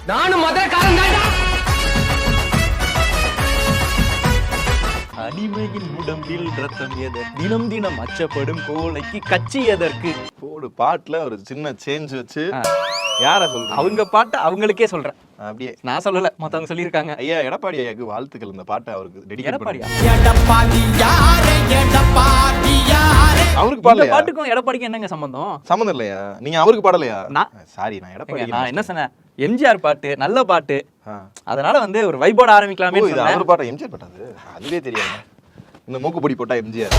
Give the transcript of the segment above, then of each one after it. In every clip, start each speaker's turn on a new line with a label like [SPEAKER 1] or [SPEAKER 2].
[SPEAKER 1] நானும் மதுரக்காரன் தான்டா.
[SPEAKER 2] அடிமையின் உடம்பில் ரத்தம் எதற்கு, தினம் தினம் அச்சப்படும் கோழைக்கு கட்சி எதற்கு.
[SPEAKER 3] ஒரு பாட்டுல ஒரு சின்ன சேஞ்ச் வச்சு யார சொல்ற?
[SPEAKER 2] அவங்க பாட்டை அவங்களுக்கே சொல்றேன்,
[SPEAKER 3] அப்படியே
[SPEAKER 2] நான் சொல்லல, மத்தவங்க சொல்லியிருக்காங்க.
[SPEAKER 3] ஐயா எடப்பாடி ஐயாக்கு வாழ்த்துக்கள். இந்த பாட்டை அவருக்கு டெடிகேட்
[SPEAKER 2] எடப்பாடியா?
[SPEAKER 3] அவருக்கு
[SPEAKER 2] இந்த
[SPEAKER 3] பாடலையா?
[SPEAKER 2] பாட்டுக்கும் எடப்பாடிக்கும் என்னங்க சம்பந்தம்?
[SPEAKER 3] சம்மந்தம் இல்லையா? நீங்க அவருக்கு பாடலையா? சாரி, நான் எடப்பாடி.
[SPEAKER 2] நான் என்ன சொன்னேன், எம்ஜிஆர் பாட்டு நல்ல பாட்டு, அதனால வந்து ஒரு வைபோட ஆரம்பிக்கலாமே.
[SPEAKER 3] அவர் பாட்டா? எம்ஜிஆர் பாட்டாது, அதுவே தெரியாது. இந்த மூக்கு பொடி போட்டா எம்ஜிஆர்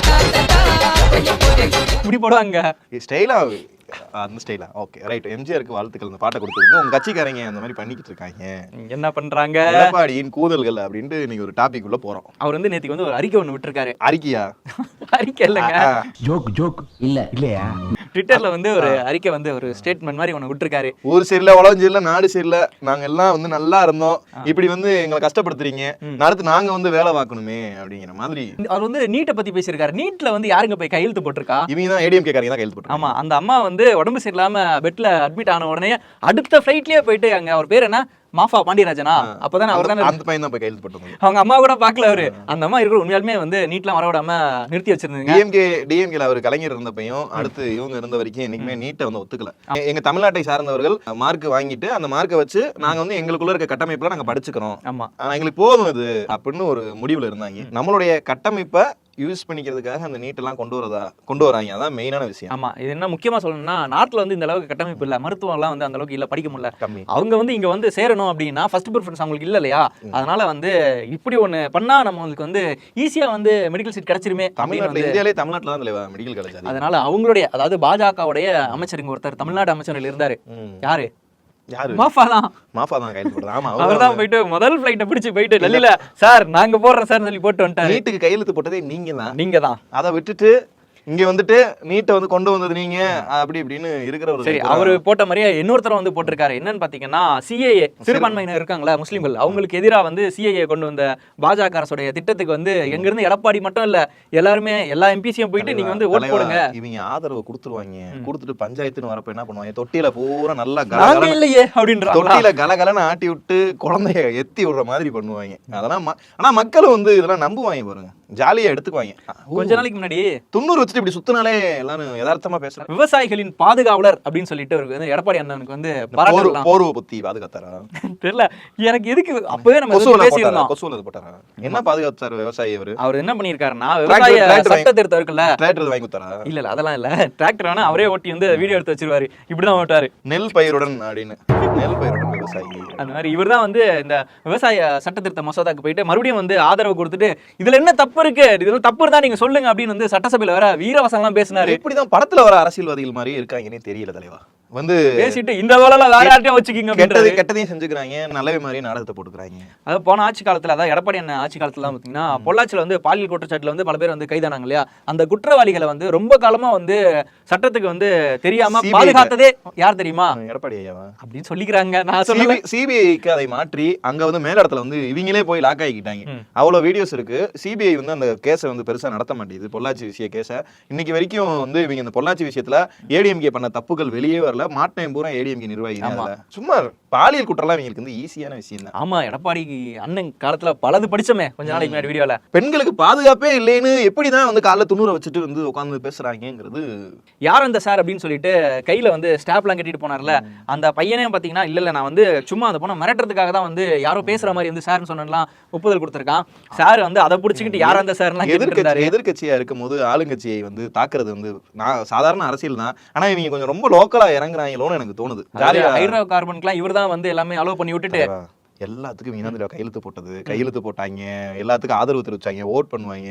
[SPEAKER 2] இப்படி போடுவாங்க
[SPEAKER 3] ஸ்டைலா, அந்த ஸ்டைலா. ஓகே ரைட், எம்ஜிஆருக்கு வாழ்த்துக்கள். இந்த பாட்டை கொடுத்துருக்கு. உங்க கட்சிக்காரங்க அந்த மாதிரி பண்ணிக்கிட்டு இருக்காங்க.
[SPEAKER 2] என்ன பண்றாங்க?
[SPEAKER 3] எடப்பாடியின் கூதல்கள் அப்படின்ட்டு நீங்க ஒரு டாபிக் உள்ள போறோம்.
[SPEAKER 2] அவர் வந்து நேத்துக்கு வந்து ஒரு அறிக்கை ஒண்ணு விட்டுருக்காரு.
[SPEAKER 3] அறிக்கையா?
[SPEAKER 2] அறிக்கை இல்லைங்க,
[SPEAKER 1] ஜோக் இல்லையா?
[SPEAKER 2] ட்விட்டர்ல வந்து ஒரு அறிக்கை வந்து ஒரு ஸ்டேட்மெண்ட் மாதிரி ஒண்ணு விட்டுருக்காரு.
[SPEAKER 3] ஊர் சரியில்ல, உலகம் சரியில்ல, நாடு சரியில்ல, நாங்க எல்லாம் வந்து நல்லா இருந்தோம், இப்படி வந்து எங்களை கஷ்டப்படுத்துறீங்க, அடுத்து நாங்க வந்து வேலை பார்க்கணுமே அப்படிங்கிற மாதிரி.
[SPEAKER 2] அவர் வந்து நீட்டை பத்தி பேசியிருக்காரு. நீட்ல வந்து யாருங்க போய் கையெழுத்து போட்டிருக்கா?
[SPEAKER 3] இவங்க தான் ஏடிஎம்கே காரங்க தான் கையெழுத்து போட்டாங்க.
[SPEAKER 2] ஆமா, அந்த அம்மா வந்து உடம்பு சரியில்லாம பெட்ல அட்மிட் ஆன உடனே அடுத்த ஃபிளைட்லயே போயிட்டு அங்க அவர் பேர் என்ன, மாஃபா பாண்டியராஜனா, அப்பதான் அவர் தானே
[SPEAKER 3] அந்த பையன் தான் போய் கையெழுத்து போட்டாங்க.
[SPEAKER 2] அவங்க அம்மா கூட பாக்கல அவரு. அந்த அம்மா இருக்கிற உண்மையாலுமே வந்து நீட்லாம் வரவிடாம நிறுத்தி வச்சிருந்தீங்க.
[SPEAKER 3] டிஎம்கேல அவர் கலைஞர் இருந்தப்பையும் அடுத்து இவங்க இருந்த வரைக்கும் என்னைக்குமே நீட்டை வந்து ஒத்துக்கல. எங்க தமிழ்நாட்டை சார்ந்தவர்கள் மார்க் வாங்கிட்டு அந்த மார்க்கை வச்சு நாங்க வந்து எங்களுக்குள்ள இருக்க கட்டமைப்புல நாங்க படிச்சுக்கிறோம்,
[SPEAKER 2] ஆமா
[SPEAKER 3] எங்களுக்கு போதும் இது அப்படின்னு ஒரு முடிவுல இருந்தாங்க. நம்மளுடைய கட்டமைப்பை யூஸ் பண்ணிக்கிறதுக்காக அந்த நீட்டெல்லாம் கொண்டு வராங்க. அதான் மெயினான விஷயம்.
[SPEAKER 2] ஆமா, இது என்ன முக்கியமா சொல்லணும்னா, நாட்டுல வந்து இந்த அளவுக்கு கட்டமைப்பு இல்ல, மருத்துவம் எல்லாம் வந்து அந்த அளவுக்கு இல்ல, படிக்க முடியல. அவங்க வந்து இங்க வந்து சேரணும் அப்படின்னா ஃபர்ஸ்ட் ப்ரிஃபரன்ஸ் அவங்களுக்கு இல்ல இல்லையா? அதனால வந்து இப்படி ஒண்ணு பண்ணா நம்மளுக்கு வந்து ஈஸியா வந்து மெடிக்கல் சீட் கிடைச்சிருமே.
[SPEAKER 3] தமிழ்நாட்டுல, இந்தியாவிலே தமிழ்நாட்டுல தான் மெடிக்கல் காலேஜ்.
[SPEAKER 2] அதனால அவங்களுடைய, அதாவது பாஜகவுடைய அமைச்சருங்க ஒருத்தர் தமிழ்நாடு அமைச்சர்கள் இருந்தாரு. யாரு? மாஃபா தான் கையெழுத்து போடுறாரு. ஆமா, அவர்தான் போயிட்டு முதல் ஃளைட்டை பிடிச்சு போயிட்டு டெல்லியில சார் நாங்க போடுறோம் சார் சொல்லி போட்டு வந்துட்டாரு.
[SPEAKER 3] நீட்டுக்கு கையெழுத்து போட்டதே நீங்க தான். அதை விட்டுட்டு இங்க வந்துட்டு நீட்டை வந்து கொண்டு வந்தது நீங்க அப்படி இப்படின்னு இருக்கிற ஒரு.
[SPEAKER 2] சரி, அவரு போட்ட மாதிரியே இன்னொருத்தர வந்து போட்டிருக்காரு. என்னன்னு பாத்தீங்கன்னா, சிஏஏ சிறுபான்மையினர் இருக்காங்களா முஸ்லிம்கள், அவங்களுக்கு எதிராக வந்து சிஏஏ கொண்டு வந்த பாஜக அரசுடைய திட்டத்துக்கு வந்து எங்க இருந்து எடப்பாடி மட்டும் இல்ல எல்லாருமே எல்லா எம்பிசியும் போயிட்டு நீங்க வந்து ஓட்டு போடுங்க.
[SPEAKER 3] இவங்க ஆதரவு கொடுத்துருவாங்க. கொடுத்துட்டு பஞ்சாயத்துன்னு வரப்ப என்ன பண்ணுவாங்க, தொட்டியில பூரா நல்லா
[SPEAKER 2] இல்லையே அப்படின்ற
[SPEAKER 3] தொட்டியில கலகலன்னு ஆட்டி விட்டு குழந்தைய எத்தி விடுற மாதிரி பண்ணுவாங்க. அதெல்லாம் ஆனா மக்களும் வந்து இதெல்லாம் நம்புவாங்க பாருங்க, ஜாலியா எடுத்துக்குவாங்க.
[SPEAKER 2] கொஞ்ச நாளைக்கு முன்னாடி
[SPEAKER 3] 90 வச்சுட்டு இப்படி சுத்தினாலே எல்லாரும் யதார்த்தமா பேசுறாங்க.
[SPEAKER 2] விவசாயிகளின் பாதுகாவலர் அப்படின்னு சொல்லிட்டு வந்து எடப்பாடி அண்ணனுக்கு வந்து
[SPEAKER 3] போர்வ பத்தி பாதுகாத்தாரா
[SPEAKER 2] தெரியல எனக்கு. எதுக்கு அப்பவே நம்ம பேசியிருந்தோம்,
[SPEAKER 3] கொசுவல போட்டாரா? என்ன பாதுகாத்தாரு விவசாயி? அவர்
[SPEAKER 2] என்ன பண்ணிருக்காருன்னா, விவசாய சட்ட திருத்தம் இருக்குல்ல,
[SPEAKER 3] டிராக்டர் வாங்கி கொடுத்தாரா?
[SPEAKER 2] இல்ல அதெல்லாம் இல்ல, டிராக்டர் வேணா அவரே ஓட்டி வந்து வீடியோ எடுத்து வச்சிருவாரு, இப்படிதான் ஓட்டாரு.
[SPEAKER 3] நெல் பயிருடன் அப்படின்னு, நெல் பயிருடன் விவசாயி.
[SPEAKER 2] அந்த மாதிரி இவர் தான் வந்து இந்த விவசாய சட்ட திருத்த மசோதாக்கு போயிட்டு மறுபடியும் வந்து ஆதரவு கொடுத்துட்டு இதுல என்ன தப்பு இருக்கு, இதுல தப்பு இருந்தா நீங்க சொல்லுங்க அப்படின்னு வந்து சட்டசபையில வர வீரவசனம் எல்லாம் பேசினாரு.
[SPEAKER 3] இப்படிதான் படத்துல வர அரசியல்வாதிகள் மாதிரி இருக்காங்கன்னே தெரியல தலைவா. வந்து
[SPEAKER 2] பேசிட்டு இந்த வேலை வேற யார்ட்டையும் வச்சுக்கிங்க,
[SPEAKER 3] கெட்டதையும் செஞ்சுக்கிறாங்க, நல்லவே மாதிரி நாடகத்தை போட்டுக்கிறாங்க.
[SPEAKER 2] அது போன ஆட்சி காலத்துல, அதாவது எடப்பாடி அண்ணன் ஆட்சி காலத்துல பாத்தீங்கன்னா, பொள்ளாச்சியில வந்து பாலியல் குற்றச்சாட்டுல வந்து பல பேர் வந்து கைதானாங்க இல்லையா? அந்த குற்றவாளிகளை வந்து ரொம்ப காலமா வந்து சட்டத்துக்கு வந்து தெரியாம பாதுகாத்ததே யார் தெரியுமா?
[SPEAKER 3] எடப்பாடி ஐயாவா
[SPEAKER 2] அப்படின்னு சொல்லிக்கிறாங்க. நான் சொல்ல
[SPEAKER 3] சிபிஐக்கு அதை மாற்றி அங்க வந்து மேலிடத்துல வந்து இவங்களே போய் லாக் ஆகிக்கிட்டாங்க. அவ்வளவு வீடியோஸ் இருக்கு. சிபிஐ வந்து அந்த கேஸை வந்து பெருசா நடத்த மாட்டேங்குது, பொள்ளாச்சி விஷய கேஸை. இன்னைக்கு வரைக்கும் வந்து இவங்க இந்த பொள்ளாச்சி விஷயத்துல ஏடிஎம்கே பண்ண தப்புகள் வெளியே வரல. மாட்டேன் பூரா ஏடிஎம்கே நிர்வாகி. சும்மா பாலியல் குற்றம்லாம் இவங்களுக்கு வந்து ஈஸியான விஷயம் தான்.
[SPEAKER 2] ஆமா, எடப்பாடி அண்ணன் காலத்துல பலது படிச்சோமே கொஞ்ச நாளைக்கு முன்னாடி வீடியோல.
[SPEAKER 3] பெண்களுக்கு பாதுகாப்பே இல்லைன்னு எப்படிதான் வந்து காலைல துணூரை வச்சுட்டு வந்து உட்காந்து பேசுறாங்கிறது.
[SPEAKER 2] யார் அந்த சார் அப்படின்னு சொல்லிட்டு கையில வந்து ஸ்டாப்லாம் கட்டிட்டு போனார்ல, அந்த பையனே பாத்தீங்கன்னா இல்ல நான் வந்து சும்மா அந்த பொண்ணை மிரட்டுறதுக்காக தான் வந்து யாரோ பேசுற மாதிரி வந்து சார்னு சொன்னலாம் ஒப்புதல் கொடுத்திருக்கான். சார் வந்து அதை பிடிச்சிக்கிட்டு யார் அந்த சார்
[SPEAKER 3] எதிர்கட்சியா இருக்கும் போது ஆளுங்கட்சியை வந்து தாக்குறது வந்து சாதாரண அரசியல் தான். ஆனா இவங்க கொஞ்சம் ரொம்ப லோக்கலா இறங்குறாங்களோன்னு எனக்கு தோணுது.
[SPEAKER 2] ஹைட்ரோ கார்பனுக்குலாம் இவர் தான் வந்து எல்லாமே அலோவ் பண்ணி விட்டுட்டு
[SPEAKER 3] எல்லாத்துக்கும் இனந்தில கையெழுத்து போட்டாங்க, எல்லாத்துக்கும் ஆதரவு தெரிவிச்சாங்க, ஓட் பண்ணுவாங்க.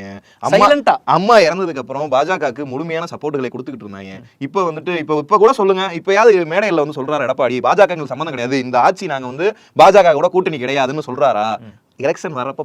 [SPEAKER 3] அம்மா இறந்ததுக்கு அப்புறம் பாஜகவுக்கு முழுமையான சப்போர்ட்டுகளை கொடுத்துக்கிட்டு இருந்தாங்க. இப்ப வந்துட்டு இப்ப கூட சொல்லுங்க, இப்பயாவது மேடையில வந்து சொல்றாரு எடப்பாடி பாஜக சம்பந்தம் கிடையாது, இந்த ஆட்சி நாங்க வந்து பாஜக கூட கூட்டணி கிடையாதுன்னு சொல்றாரா? எலெக்ஷன் வரப்ப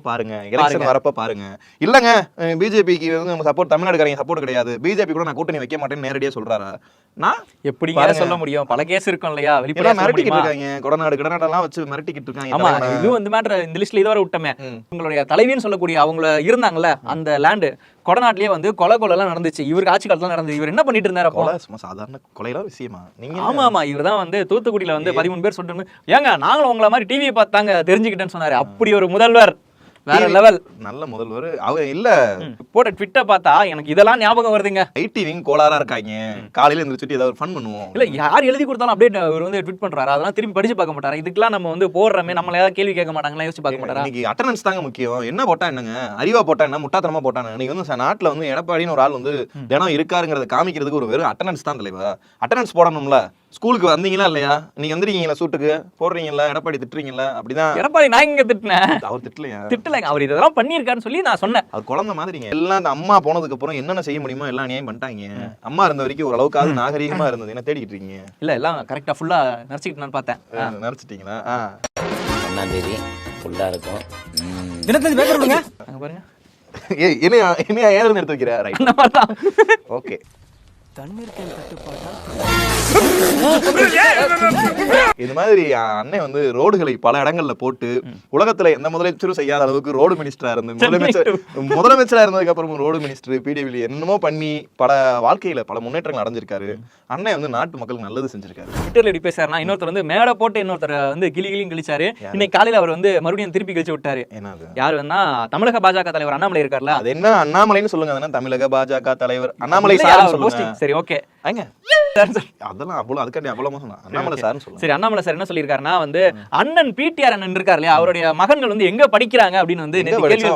[SPEAKER 3] பாருங்க. இல்லங்க பிஜேபிக்கு வந்து சப்போர்ட், தமிழ்நாடுக்காரங்க சப்போர்ட் கிடையாது, பிஜேபி கூட நான் கூட்டணி வைக்க மாட்டேன்னு நேரடியா சொல்றாரா? நான் எப்படி சொல்ல முடியும்? பல கேஸ் இருக்கும் இல்லையா, மிரட்டிக்கிட்டு இருக்காங்க, கொடநாடெல்லாம் வச்சு மிரட்டிக்கிட்டு இருக்காங்க.
[SPEAKER 2] ஆமா, இது வந்து மேட்டர் இந்த லிஸ்ட்ல இதோட விட்டமே. உங்களுடைய தலைவின்னு சொல்லக்கூடிய அவங்க இருந்தாங்கல்ல, அந்த லேண்டு கொடநாட்டிலேயே வந்து கொலைலாம் நடந்துச்சு. இவருக்கு ஆட்சி காலத்துல நடந்தது. இவர் என்ன பண்ணிட்டு இருந்தாரு அப்போ?
[SPEAKER 3] கொலை சும்மா சாதாரண கொலைலாம் விஷயமா நீங்க?
[SPEAKER 2] ஆமா இவர் தான் வந்து தூத்துக்குடியில வந்து 13 பேர் சொல்லிட்டு ஏங்க நாங்களும் உங்களை மாதிரி டிவியை பார்த்தாங்க தெரிஞ்சுக்கிட்டேன்னு சொன்னாரு. அப்படி ஒரு முதல்வர், வேற லெவல்,
[SPEAKER 3] நல்ல முதல்வர். அவங்க இல்ல
[SPEAKER 2] போட்ட ட்விட்டர் பார்த்தா எனக்கு இதெல்லாம் ஞாபகம் வருதுங்க.
[SPEAKER 3] ஐடி விங் கோளாரா இருக்காங்க. காலையில எந்திரிச்சிட்டு ஏதாவது ஃபன் பண்ணுவோம்.
[SPEAKER 2] இல்ல யார் எழுதி கொடுத்தாலும் அப்படியே அவர் வந்து ட்வீட் பண்றாரு. அதெல்லாம் திரும்பி படிச்சு பார்க்க மாட்டாரு. இதுக்கெல்லாம் நம்ம வந்து போடுறமே நம்மள ஏதாவது கேள்வி கேட்க மாட்டாங்களா, யோசிச்சு பார்க்க மாட்டாரா?
[SPEAKER 3] இன்னைக்கு அட்டெண்டன்ஸ் தாங்க முக்கியம். என்ன போட்டா என்னங்க, அறிவா போட்டா என்ன, முட்டாத்தனமா போட்டாங்க. நீங்க வந்து நாட்டுல வந்து எடப்பாடின்னு ஒரு ஆள் வந்து தினம் இருக்காருங்கிறத காமிக்கிறதுக்கு ஒரு வெறும் அட்டெண்டன்ஸ் தான் தலைவா. அட்டெண்டன்ஸ் போடணும்ல. ஸ்கூலுக்கு வந்தீங்களா இல்லையா, நீங்க வந்துருக்கீங்களா சூட்டுக்கு போடுறீங்களா, எடப்பாடி திட்டுறீங்களா? அப்படிதான்.
[SPEAKER 2] எடப்பாடி நான் இங்க திட்டினேன்,
[SPEAKER 3] அவர் திட்டலையா?
[SPEAKER 2] திட்டலைங்க. அவர் இதெல்லாம் பண்ணியிருக்காருன்னு சொல்லி நான் சொன்னேன்.
[SPEAKER 3] அது குழந்தை மாதிரிங்க. எல்லாம் அந்த அம்மா போனதுக்கு அப்புறம் என்னென்ன செய்ய முடியுமோ எல்லாம் நியாயம் பண்ணிட்டாங்க. அம்மா இருந்த வரைக்கும் ஓரளவுக்கு நாகரீகமா இருந்தது. என்ன தேடிட்டு இருக்கீங்க?
[SPEAKER 2] இல்ல எல்லாம் கரெக்டா ஃபுல்லா நடிச்சுக்கிட்டு நான் பார்த்தேன்.
[SPEAKER 3] நடிச்சிட்டீங்களா?
[SPEAKER 4] 1ஆம் தேதி ஃபுல்லா இருக்கும்.
[SPEAKER 2] தினத்தந்தி பேப்பர் கொடுங்க. அங்க பாருங்க.
[SPEAKER 3] ஏய் என்ன ஏன்னு எடுத்து வைக்கிற? ரைட்,
[SPEAKER 2] அந்த மாதிரி தான்.
[SPEAKER 3] ஓகே.
[SPEAKER 2] தண்ணீர் கேன் தட்டுப்பாடா?
[SPEAKER 3] இது மாதிரி அண்ணன் வந்து ரோடுகளை பல இடங்கள்ல போட்டு உலகத்துல எந்த முதலமைச்சரும் செய்யாத அளவுக்கு ரோடு மினிஸ்டரா இருந்து முதலமைச்சரா இருந்ததுக்கு அப்புறம் ரோடு மினிஸ்டர் பிடபிள்யூ என்னமோ பண்ணி பல வாழ்க்கையில பல முன்னேற்றங்கள் அடைஞ்சிருக்காரு. அண்ணன் வந்து நாட்டு மக்களுக்கு நல்லது செஞ்சிருக்காரு.
[SPEAKER 2] ட்விட்டர்ல எப்படி பேசாருன்னா, இன்னொருத்தர் வந்து மேடை போட்டு இன்னொருத்தர் வந்து கிளியும் கிழிச்சாரு. இன்னைக்கு காலையில அவர் வந்து மறுபடியும் திருப்பி கிழிச்சு விட்டாரு. யாரு வேணா தமிழக பாஜக தலைவர் அண்ணாமலை இருக்காருல்ல,
[SPEAKER 3] அது என்ன அண்ணாமலைன்னு சொல்லுங்க. அதெல்லாம் தமிழக பாஜக தலைவர் அண்ணாமலை சார் சொல்லுங்க.
[SPEAKER 2] சரி ஓகே,
[SPEAKER 3] அதெல்லாம் அவ்வளவு அதுக்காண்டி அவ்வளவு மோசம். அண்ணாமலை சார்னு சொல்லுங்க.
[SPEAKER 2] சரி, அண்ணாமலை சார் என்ன சொல்லியிருக்காருன்னா வந்து அண்ணன் பிடிஆர் அண்ணன் இருக்காரு இல்லையா, அவருடைய மகன்கள் வந்து எங்க படிக்கிறாங்க அப்படின்னு வந்து கேள்வி.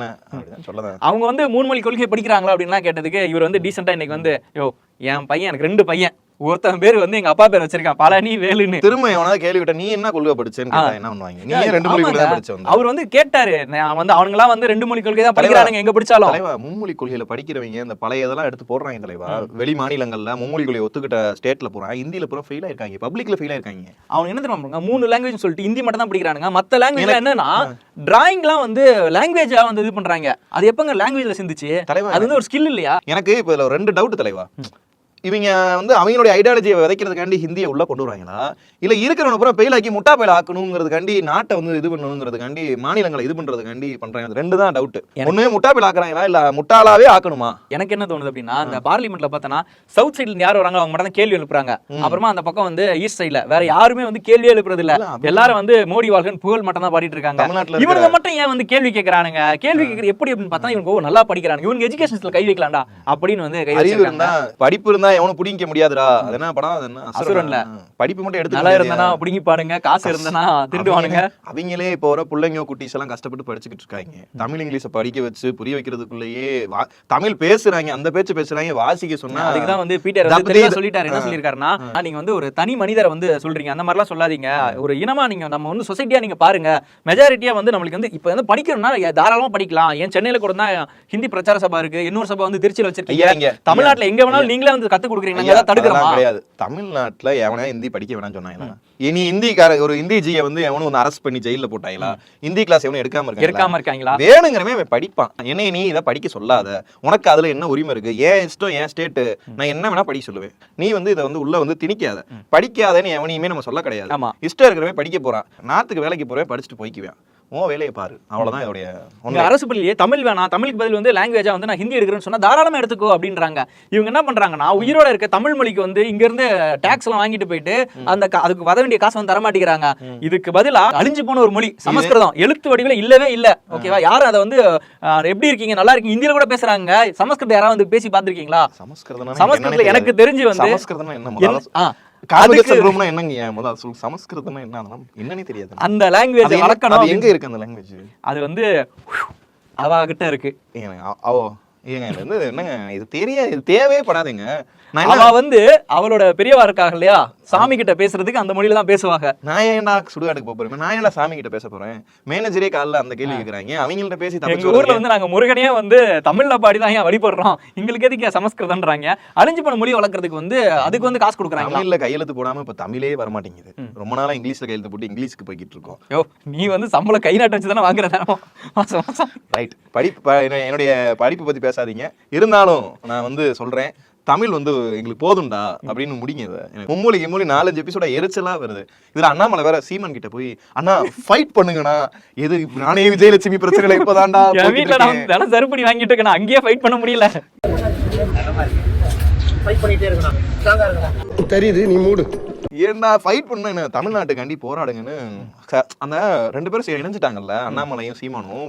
[SPEAKER 2] அவங்க வந்து 3 மொழி கொள்கை படிக்கிறாங்களா அப்படின்லாம் கேட்டதுக்கு இவர் வந்து டீசெண்டா இன்னைக்கு வந்து என் பையன், எனக்கு 2 பையன், ஒருத்தன் பேர் வந்து எங்க அப்பா பேர் வச்சிருக்கான் பழனி வேலுன்னு.
[SPEAKER 3] திரும்ப எவனாவது கேள்வி விட்ட நீ என்ன கொள்கை படிச்சேன்னு கேட்டா என்ன பண்ணுவாங்க? நீ 2 மொழி கொள்கை தான் படிச்ச.
[SPEAKER 2] அவர் வந்து கேட்டாரு, நான் வந்து அவங்கலாம் வந்து 2 மொழி கொள்கை தான் படிக்கிறாங்க எங்க படிச்சாலும்.
[SPEAKER 3] தலைவா, மும்மொழி கொள்கையில படிக்கிறவங்க இந்த பழைய இதெல்லாம் எடுத்து போடுறாங்க தலைவா. வெளி மாநிலங்கள்ல மும்மொழி கொள்கை ஒத்துக்கிட்ட ஸ்டேட்ல போறாங்க, இந்தியில பூரா ஃபெயில் ஆயிருக்காங்க, பப்ளிக்ல ஃபெயில் ஆயிருக்காங்க.
[SPEAKER 2] அவங்க என்ன தெரியுமா 3 லாங்குவேஜ் சொல்லிட்டு ஹிந்தி மட்டும் தான் படிக்கிறானுங்க. மத்த லாங்குவேஜ் என்னன்னா டிராயிங்லாம் வந்து லாங்குவேஜா வந்து இது பண்றாங்க. அது எப்பங்க லாங்குவேஜ்ல சிந்துச்சு? அது வந்து ஒரு ஸ்கில் இல்லையா?
[SPEAKER 3] எனக்கு இப்ப இதுல 2 டவுட் தலைவா. இவங்க வந்து அவங்களுடைய ஐடியாலஜியை விதைக்கிறதுக்காண்டி ஹிந்தியை உள்ள கொண்டு வராங்களா, இல்ல இருக்கிறவன பூரா பெயிலாக்கி முட்டா பெயில் ஆக்கணுங்கிறதுக்காண்டி, நாட்டை வந்து இது பண்ணணுங்கிறதுக்காண்டி, மாநிலங்களை இது பண்றதுக்காண்டி பண்றாங்க? 2 தான் டவுட். ஒண்ணுமே முட்டா பெயில் ஆக்குறாங்களா இல்ல முட்டாளாவே ஆக்கணுமா?
[SPEAKER 2] எனக்கு என்ன தோணுது அப்படின்னா, இந்த பார்லிமெண்ட்ல பார்த்தனா சவுத் சைடுல யார் வராங்க அவங்க மட்டும் தான் கேள்வி எழுப்புறாங்க. அப்புறமா அந்த பக்கம் வந்து ஈஸ்ட் சைடுல வேற யாருமே வந்து கேள்வியே எழுப்புறது இல்ல. எல்லாரும் வந்து மோடி வாழ்கன் புகழ் மட்டும் தான் பாடிட்டு இருக்காங்க. இவங்க மட்டும் ஏன் வந்து கேள்வி கேட்கறானுங்க? கேள்வி கேட்கறது எப்படி அப்படின்னு பார்த்தா இவங்க நல்லா படிக்கிறாங்க, இவங்க எஜுகேஷன்ஸ்ல கை வைக்கலாம்டா அப்படின்னு வந்து கை வச்சிருக்காங்க.
[SPEAKER 3] படிப்பு இருந்தா எவனும் பிடிக்க முடியாதுடா. அது என்ன படம்? அது என்ன அசுரன்ல படிப்பு மட்டும் எடுத்து
[SPEAKER 2] நல்லா இருந்தா பிடிங்கி பாருங்க, காசு இருந்தா திருடுவானுங்க.
[SPEAKER 3] அவங்களே இப்போ வர பிள்ளைங்க குட்டிஸ் எல்லாம் கஷ்டப்பட்டு படிச்சுக்கிட்டு இருக்காங்க. தமிழ் இங்கிலீஷ படிக்க வச்சு புரிய வைக்கிறதுக்குள்ளேயே தமிழ் பேசுறாங்க, அந்த பேச்சு பேசுறாங்க, வாசிக்க சொன்னா.
[SPEAKER 2] அதுக்குதான் வந்து பீட்டர் வந்து சொல்லிட்டாரு. என்ன சொல்லிருக்காருன்னா, நீங்க வந்து ஒரு தனி மனிதரை வந்து சொல்றீங்க, அந்த மாதிரிலாம் சொல்லாதீங்க. ஒரு இனமா நீங்க நம்ம வந்து சொசைட்டியா நீங்க பாருங்க. மெஜாரிட்டியா வந்து நம்மளுக்கு வந்து இப்ப வந்து படிக்கணும்னா தாராளமா படிக்கலாம். ஏன் சென்னையில கூட தான் ஹிந்தி பிரச்சார சபா இருக்கு, இன்னொரு சபா வந்து திருச்சியில வச்சிருக்கீங்க. தமிழ்நாட்டுல எங்க வேணாலும் நீங்களே வந்து கத்து கொடுக்குறீங்க,
[SPEAKER 3] கிடையாது. தமிழ்நாட்டுல எவனா ஹிந்தி படிக்க வேணாம்னு சொன்னாங்களா? இனி ஹிந்திக்கார ஒரு ஹிந்தி ஜியை வந்து எவனும் வந்து அரெஸ்ட் பண்ணி ஜெயில போட்டாங்களா? ஹிந்தி கிளாஸ் எவனும் எடுக்காம இருக்காங்களா? வேணுங்கிறமே அவன் படிப்பான். என்ன நீ இதை படிக்க சொல்லாத, உனக்கு அதுல என்ன உரிமை இருக்கு? ஏன் இஷ்டம், ஏன் ஸ்டேட், நான் என்ன வேணா படிக்க சொல்லுவேன். நீ வந்து இதை வந்து உள்ள வந்து திணிக்காத. படிக்காதன்னு எவனையுமே நம்ம சொல்ல கிடையாது. இஷ்டம் இருக்கிறவன் படிக்க போறான், நாட்டுக்கு வேலைக்கு போறவன் படிச்சுட்டு போய்க்குவேன். வேலையை பாரு, அவ்வளவுதான். இதோடைய
[SPEAKER 2] அரசு பள்ளியே தமிழ் வேணாம், தமிழுக்கு பதில் வந்து லாங்குவேஜா வந்து நான் ஹிந்தி எடுக்கிறேன்னு சொன்னா தாராளமா எடுத்துக்கோ அப்படின்றாங்க. இவங்க என்ன பண்றாங்கன்னா, உயிரோட இருக்க தமிழ் மொழிக்கு வந்து இங்க இருந்து டாக்ஸ் எல்லாம் வாங்கிட்டு போயிட்டு அந்த அதுக்கு வர வேண்டிய காசு வந்து தரமாட்டேங்கிறாங்க. இதுக்கு பதிலா அழிஞ்சு போன ஒரு மொழி சமஸ்கிருதம், எழுத்து வடிவில் இல்லவே இல்ல. ஓகேவா? யாரும் அதை வந்து எப்படி இருக்கீங்க, நல்லா இருக்கீங்க, இந்தியில கூட பேசுறாங்க. சமஸ்கிருதம் யாராவது வந்து பேசி பாத்துருக்கீங்களா? சமஸ்கிருதம் எனக்கு தெரிஞ்சு வந்து
[SPEAKER 3] சமஸ்கிருதம் என்னன்னு தெரியாது.
[SPEAKER 2] அந்த லாங்குவேஜ் வளர்க்கணும்.
[SPEAKER 3] எங்க இருக்கு அந்த லாங்குவேஜ்?
[SPEAKER 2] அது வந்து அவகிட்ட இருக்கு.
[SPEAKER 3] என்னங்க இது தெரியாது, இது தேவையே படாதுங்க.
[SPEAKER 2] அவ வந்து அவளோட பெரியவா இருக்காங்க இல்லையா, சாமி கிட்ட பேசுறதுக்கு அந்த மொழியில தான் பேசுவாங்க.
[SPEAKER 3] நான் ஏன்டா சுடுகாட்டுக்கு போறேன், நான் ஏன்டா சாமி கிட்ட பேச போறேன்? மேனேஜரே காலைல அந்த கேள்வி கேக்குறாங்க, அவங்கள்ட்ட பேசி.
[SPEAKER 2] எங்க ஊர்ல வந்து நாங்க முருகனே வந்து தமிழ்ல பாடிதான் ஏன் வழிபடுறோம், எங்களுக்கு எதுக்கு சமஸ்கிருதம்ன்றாங்க. அழிஞ்சு போன மொழி வளர்க்கறதுக்கு வந்து அதுக்கு வந்து காசு கொடுக்குறாங்க.
[SPEAKER 3] தமிழ்ல கையெழுத்து போடாம இப்ப தமிழே வர மாட்டேங்குது. ரொம்ப நாளா இங்கிலீஷ்ல கையெழுத்து போட்டு இங்கிலீஷ்க்கு போய்கிட்டு இருக்கோம்.
[SPEAKER 2] நீ வந்து சம்பளம் கை நாட்டு வச்சுதானே வாங்குற
[SPEAKER 3] ரைட். படிப்பு, என்னுடைய படிப்பு பத்தி பேசாதீங்க. இருந்தாலும் நான் வந்து சொல்றேன், தமிழ் வந்து எங்களுக்கு போதும்டா அப்படின்னு முடிங்க இதை. எனக்கு மும்மொழி 4-5 எபிசோட எரிச்சலா வருது. இதுல அண்ணாமலை வேற சீமான் கிட்ட போய் அண்ணா ஃபைட் பண்ணுங்கண்ணா, எது நானே விஜயலட்சுமி பிரச்சனை இப்பதான்டா
[SPEAKER 2] வீட்டுல நான் தினம் சருப்படி வாங்கிட்டு இருக்கேன், அங்கேயே ஃபைட் பண்ண முடியல.
[SPEAKER 1] தெரியுது, நீ மூடு.
[SPEAKER 3] ஏன்னா ஃபைட் பண்ண தமிழ்நாட்டுக்காண்டி போராடுங்கன்னு அந்த 2 பேரும் இணைஞ்சிட்டாங்கல்ல, அண்ணாமலையும் சீமானும்.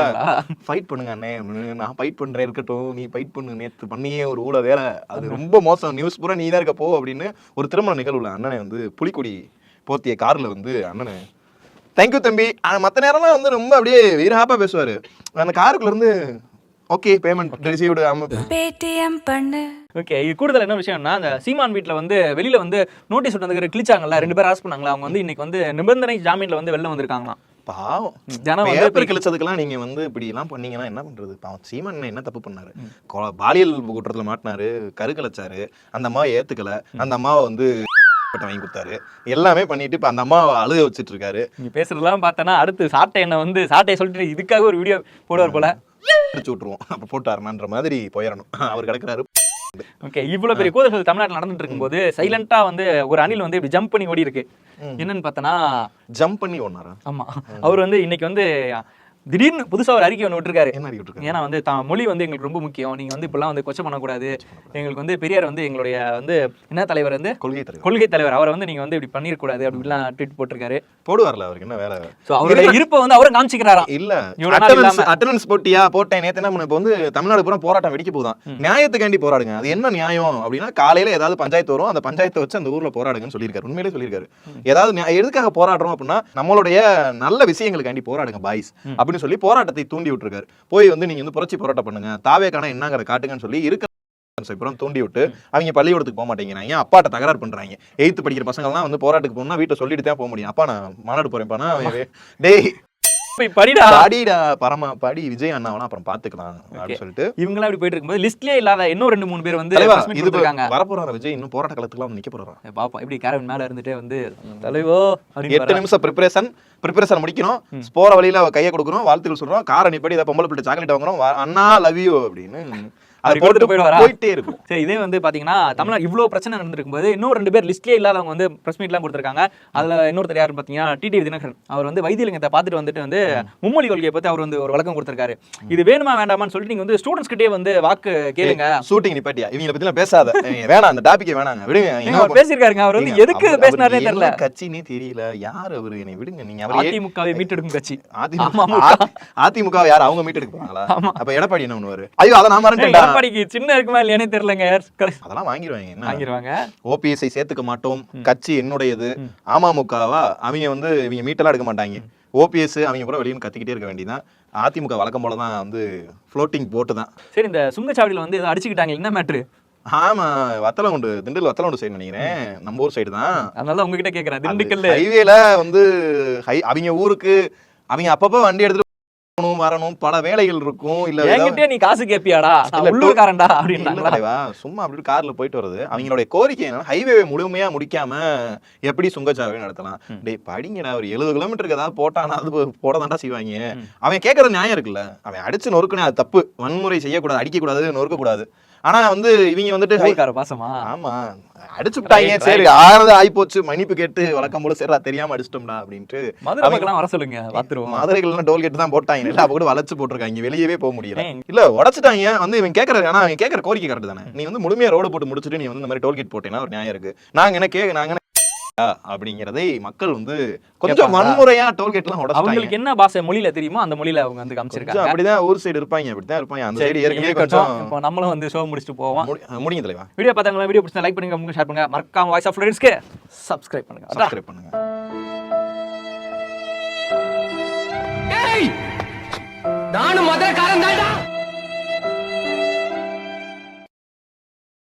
[SPEAKER 3] ஃபைட் பண்ணுங்க அண்ணே, நான் ஃபைட் பண்றேன் இருக்கட்டும், நீ ஃபைட் பண்ணு, நேற்று பண்ணியே ஒரு ஊழ வேலை, அது ரொம்ப மோசம், நியூஸ் பூரா நீ தான் இருக்க போ அப்படின்னு ஒரு திருமண நிகழ்வுல அண்ணனை வந்து புலிக்கொடி போர்த்திய கார்ல வந்து அண்ணனை தேங்க்யூ தம்பி. மற்ற நேரம்லாம் வந்து ரொம்ப அப்படியே வீரஹாப்பா பேசுவாரு. அந்த காருக்குள்ள இருந்து ஓகே பேமெண்ட் ரிசீவ்டு
[SPEAKER 5] பேடிஎம் பண்ணு.
[SPEAKER 2] ஓகே, இது கூடுதல் என்ன விஷயம்னா, அந்த சீமான் வீட்டில் வந்து வெளியில வந்து நோட்டீஸ் விட்டு கிழிச்சாங்கல்ல, 2 பேர் அரெஸ்ட் பண்ணாங்களா, அவங்க வந்து இன்னைக்கு வந்து நிபந்தனை ஜாமீன்ல வந்து வெளில வந்திருக்காங்களாம்.
[SPEAKER 3] பாவம்,
[SPEAKER 2] ஜனம்
[SPEAKER 3] பேப்பர் கிழிச்சதுக்கெல்லாம் நீங்க வந்து இப்படி எல்லாம் பண்ணீங்கன்னா என்ன பண்றது? பாவம் சீமான் என்ன தப்பு பண்ணாரு? பாலியல் குற்றத்துல மாட்டினாரு, கருக்கலைச்சாரு, அந்த அம்மாவை ஏத்துக்கல, அந்த அம்மாவை வந்து வாங்கி கொடுத்தாரு, எல்லாமே பண்ணிட்டு இப்ப அந்த அம்மாவை அழுக வச்சுட்டு இருக்காரு.
[SPEAKER 2] நீங்க பேசுறதெல்லாம் பார்த்தனா அடுத்து சாட்டை என்ன வந்து சாட்டையை சொல்லிட்டு இதுக்காக ஒரு வீடியோ போடுவார் போல,
[SPEAKER 3] அடிச்சு விட்டுருவோம், அப்ப போட்டாருன்ற மாதிரி போயிடணும். அவர் கிடக்குறாரு.
[SPEAKER 2] ஓகே, இவ்வளவு பெரிய கூதல்கள் தமிழ்நாட்டில் நடந்துட்டு இருக்கும்போது சைலண்டா வந்து ஒரு அணில் வந்து இப்படி ஜம்ப் பண்ணி ஓடி இருக்கு. என்னன்னு பார்த்தனா
[SPEAKER 3] ஜம்ப் பண்ணி ஓடினாரா?
[SPEAKER 2] ஆமா, அவர் வந்து இன்னைக்கு வந்து திடீர்னு புதுசா ஒரு அறிக்கை ஒன்று விட்டுருக்காரு.
[SPEAKER 3] என்ன அறிக்கை விட்டுருக்காரு?
[SPEAKER 2] ஏன்னா வந்து மொழி வந்து எங்களுக்கு ரொம்ப முக்கியம், நீங்க வந்து இப்பெல்லாம் வந்து கொச்சை பண்ணக்கூடாது, எங்களுக்கு வந்து பெரியார் வந்து எங்களுடைய வந்து என்ன தலைவர் வந்து கொள்கை தலைவர், அவரை வந்து நீங்க வந்து இப்படி பண்ணிடக்கூடாது அப்படிலாம் ட்வீட் போட்டிருக்காரு.
[SPEAKER 3] போடுவார்ல, அவருக்கு என்ன வேலை?
[SPEAKER 2] அவருடைய இருப்பை வந்து அவரை காமிச்சிக்கிறாராம்.
[SPEAKER 3] இல்ல அட்டெண்டன்ஸ் போட்டியா போட்டேன் நேத்து என்ன பண்ண, இப்ப வந்து தமிழ்நாடு பூரா போராட்டம் வெடிக்க போதான், நியாயத்துக்காண்டி போராடுங்க. அது என்ன நியாயம் அப்படின்னா, காலையில ஏதாவது பஞ்சாயத்து வரும், அந்த பஞ்சாயத்தை வச்சு அந்த ஊர்ல போராடுங்கன்னு சொல்லியிருக்காரு. உண்மையிலே சொல்லியிருக்காரு. ஏதாவது எதுக்காக போராடுறோம் அப்படின்னா, நம்மளுடைய நல்ல விஷயங்களுக்காண்டி போராடுங்க பாய்ஸ் அப்படின்னு சொல்லி போராட்டத்தை தூண்டி விட்டுருக்காரு. போய் வந்து நீங்க வந்து புரட்சி போராட்டம் பண்ணுங்க, தாவேக்கான என்னங்கிற காட்டுங்கன்னு சொல்லி இருக்க தூண்டி விட்டு அவங்க பள்ளிக்கூடத்துக்கு போக மாட்டேங்கிறாங்க, அப்பாட்ட தகராறு பண்றாங்க. 8th படிக்கிற பசங்க எல்லாம் வந்து போராட்டத்துக்கு போனா வீட்டை சொல்லிட்டு தான் போக முடியும். அப்பா நான் மாநாடு போறேன்ப்பானா, டேய் படிடா பரமா படி விஜய் அண்ணாவனா அப்புறம் பாத்துக்கலாம் அப்படின்னு சொல்லிட்டு இவங்க அப்படி போயிட்டு இருக்கும்போது லிஸ்ட்லயே இல்லாத இன்னும் 2-3 பேர் வந்து வரப்போறாங்க. விஜய் இன்னும் போராட்ட காலத்துக்குலாம் நிக்க போறாரு. பாப்பா இப்படி கேரவன் மேல இருந்துட்டே வந்து தலைவோ 8 நிமிஷம் ப்ரிப்பரேஷன் முடிக்கணும், போற வழியில கையை கொடுக்கணும், வாழ்த்துக்கள் சொல்றோம், காரை நிப்படி இதை பொம்பளை பிள்ளை சாக்லேட் வாங்குறோம், அண்ணா லவ் யூ அப்படின்னு போயிட்டே இருக்கும். சரி, இதே வந்து பாத்தீங்கன்னா தமிழ்நாடு இவ்வளவு பிரச்சனை நடந்திருக்கும் போது இன்னும் 2 பேர் லிஸ்ட்லயே இல்லாதவங்க வந்து பிரஸ் மீட் எல்லாம் கொடுத்திருக்காங்க. அதுல இன்னொருத்தர் யாருன்னு பாத்தீங்கன்னா டிடிவி தினகரன். அவர் வந்து வைத்தியலிங்கத்தை பார்த்துட்டு வந்துட்டு வந்து மும்மொழி கொள்கையை பத்தி அவர் வந்து ஒரு விளக்கம் கொடுத்திருக்காரு. இது வேணுமா வேண்டாமான்னு சொல்லிட்டு நீங்க வந்து ஸ்டூடெண்ட்ஸ் கிட்டே வந்து வாக்கு கேளுங்க. ஷூட்டிங் நிப்பாட்டியா, இவங்கள பத்தி பேசாத, வேணாம் அந்த டாபிக்கே வேணாங்க, விடுங்க. பேசியிருக்காருங்க, அவர் வந்து எதுக்கு பேசினாரே தெரியல, கட்சினே தெரியல, யார் அவரு, என்னை விடுங்க. நீங்க அதிமுகவை மீட்டெடுக்கும் கட்சி, அதிமுக யார் அவங்க மீட்டெடுக்க போறாங்களா? அப்ப எடப்பாடி என்ன பண்ணுவாரு? ஐயோ அதை நான் மறந்துட்டேன். சின்ன இருக்குமா இல்லையானே தெரியலங்க, அதெல்லாம் வாங்கிடுவாங்க. ஓபிஎஸ்ஐ சேர்த்துக்க மாட்டோம், கட்சி என்னுடையது, அமமுகவா அவங்க வந்து இவங்க மீட்டெல்லாம் எடுக்க மாட்டாங்க, ஓபிஎஸ் அவங்க கூட வெளியே கத்திக்கிட்டே இருக்க வேண்டியதான். அதிமுக வழக்கம் போலதான் வந்து ஃப்ளோட்டிங் போட்டு தான். சரி, இந்த சுங்கச்சாவடியில வந்து அடிச்சுக்கிட்டாங்க, என்ன மேட்ரு? ஆமா, வத்தலகுண்டு, திண்டுக்கல் வத்தலகுண்டு சைடு நினைக்கிறேன், நம்ம ஊர் சைடு தான். அதனால உங்ககிட்ட கேட்கறேன், திண்டுக்கல் ஹைவேல வந்து அவங்க ஊருக்கு அவங்க அப்பப்போ வண்டி எடுத்துட்டு வரணும், பல வேலைகள் இருக்கும். இல்ல நீ காசு கேப்பியாடா, உள்ளூர்காரன்டா அப்படின்னா சும்மா அப்படி கார்ல போயிட்டு வருது. அவங்களுடைய கோரிக்கை என்னன்னா, ஹைவே முழுமையா முடிக்காம எப்படி சுங்கச்சாவடி நடத்தலாம்? டேய் படிங்கடா, ஒரு 70 கிலோமீட்டருக்கு ஏதாவது போட்டானா அது போட தாண்டா செய்வாங்க. அவன் கேட்கறது நியாயம் இருக்குல்ல, அவன் அடிச்சு நொறுக்குனே அது தப்பு, வன்முறை செய்யக்கூடாது, அடிக்க கூடாது, நொறுக்க கூடாது. ஆனா வந்து இவங்க வந்துட்டு பாசமா ஆமா அடிச்சு விட்டாங்க, சரி ஆனது ஆயிப்போச்சு, மன்னிப்பு கேட்டு வழக்கம் போல சரி தெரியாம அடிச்சிட்டோம்டா அப்படின்ட்டு மதுரைக்கெல்லாம் வர சொல்லுங்க, பாத்துருவோம். மதுரைகள்லாம் டோல்கேட் தான் போட்டாங்க, இல்ல அப்ப கூட வளைச்சு போட்டிருக்காங்க, வெளியவே போக முடியல. இல்ல உடச்சிட்டாங்க வந்து இவன் கேட்கறது, ஆனா அவன் கேட்கற கோரிக்கை கரெக்ட் தானே. நீ வந்து முழுமையா ரோடு போட்டு முடிச்சுட்டு நீ வந்து இந்த மாதிரி டோல்கேட் போட்டேன்னா ஒரு நியாயம் இருக்கு. நாங்க அப்படிங்கறதை மக்கள் வந்து கொஞ்சம் வன்முறையா டோல்கேட் எல்லாம் உடைச்சாங்க. அவங்களுக்கு என்ன பாஷை மொழியில தெரியுமோ அந்த மொழியில அவங்க வந்து காமிச்சிருக்காங்க. அப்படிதான் ஊர் சைடு இருப்பாங்க, அப்படிதான் இருப்பாங்க. அந்த சைடு ஏற்கனவே கொஞ்சம் இப்போ நம்மளும் வந்து ஷோ முடிச்சிட்டு போவோம். முடிங்க தலைவா. வீடியோ பார்த்தாங்களா? வீடியோ பிடிச்சா லைக் பண்ணுங்க, ஷேர் பண்ணுங்க, மறக்காம வாய்ஸ் ஆஃப் ஃப்ளோரன்ஸ்க்கு சப்ஸ்கிரைப் பண்ணுங்க.
[SPEAKER 1] நானும் மதுரைக்காரன் தான்டா.